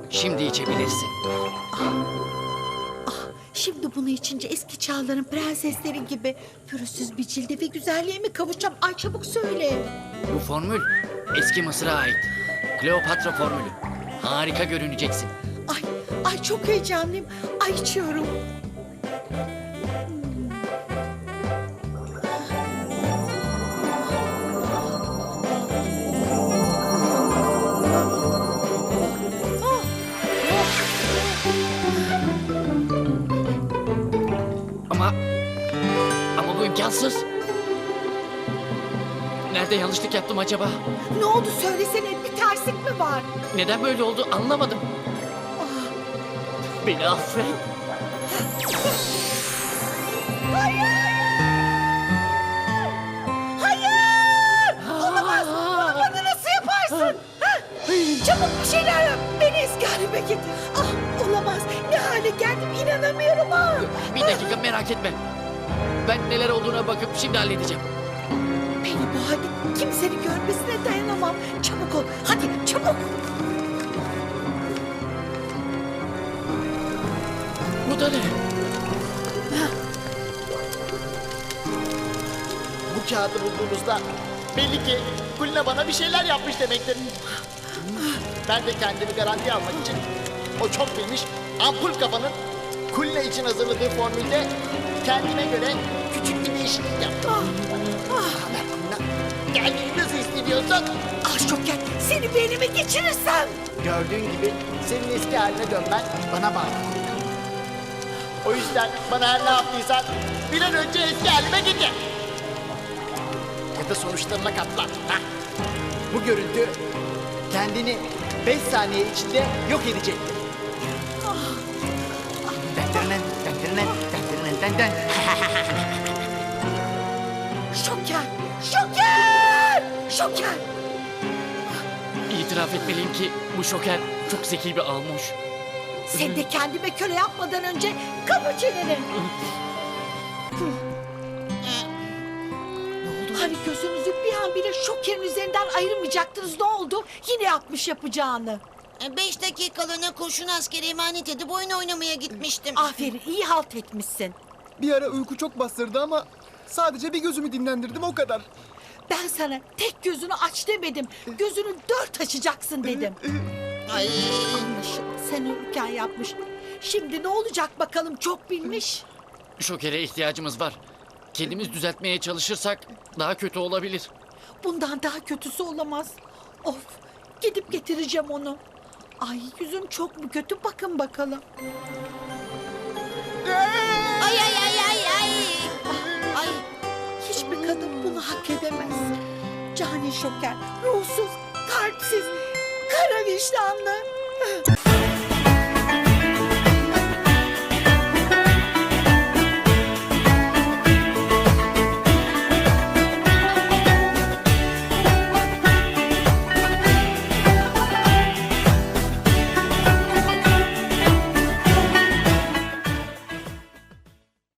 Şimdi içebilirsin. Şimdi bunu içince eski çağların prensesleri gibi pürüzsüz bir cilde ve güzelliğe mi kavuşacağım? Ay çabuk söyle. Bu formül eski Mısır'a ait. Kleopatra formülü. Harika görüneceksin. Ay çok heyecanlıyım. Ay içiyorum. Ama bu imkansız. Nerede yanlışlık yaptım acaba? Ne oldu söylesene, bir terslik mi var? Neden böyle oldu anlamadım. Beni affet. Hayır! Olamaz! Bana nasıl yaparsın? Çabuk bir şeyler yap. Beni eski halime getir. Olamaz. Ne hale geldim inanamıyorum ha. Bir dakika merak etme. Ben neler olduğuna bakıp şimdi halledeceğim. Beni bu halde kimsenin görmesine dayanamam. Çabuk ol. Hadi çabuk. Bu da ne? Bu kağıdı bulduğumuzda belli ki Kulina bana bir şeyler yapmış demektir. Ben de kendimi garantiye almak için o çok bilmiş ampul kafanın Kulina için hazırladığı formülde kendime göre küçük bir değişiklik yaptım. Haber Kulina, kendini nasıl hissediyorsun? Şoker, seni beynime geçirirsem. Gördüğün gibi senin eski haline dönmen bana bağlı. O yüzden bana her ne yaptıysan bir an önce eski halime getir. Ya da sonuçlarına katlan. Ha? Bu görüntü kendini 5 saniye içinde yok edecektir. Şoker, Şoker, Şoker. İtiraf etmeliyim ki bu şoker çok zeki bir almış. Sen de kendime köle yapmadan önce kapa çeneni. Hani gözünüzü bir an bile Şoker'in üzerinden ayırmayacaktınız, ne oldu? Yine yapmış yapacağını. 5 dakikalığına kurşun askeri emanet edip oyun oynamaya gitmiştim. Aferin, iyi halt etmişsin. Bir ara uyku çok bastırdı ama sadece bir gözümü dinlendirdim o kadar. Ben sana tek gözünü aç demedim. Gözünü 4 açacaksın dedim. Ay. Anlaşıldı, sen uyurken yapmış. Şimdi ne olacak bakalım, çok bilmiş. Şokere ihtiyacımız var. Kendimiz düzeltmeye çalışırsak daha kötü olabilir. Bundan daha kötüsü olamaz. Of, gidip getireceğim onu. Ay yüzüm çok mu kötü, bakın bakalım. Ay ay ay ay ay. Ay. Hiçbir kadın bunu hak edemez. Cani Şoker, ruhsuz, kalpsiz, kara vicdanlı.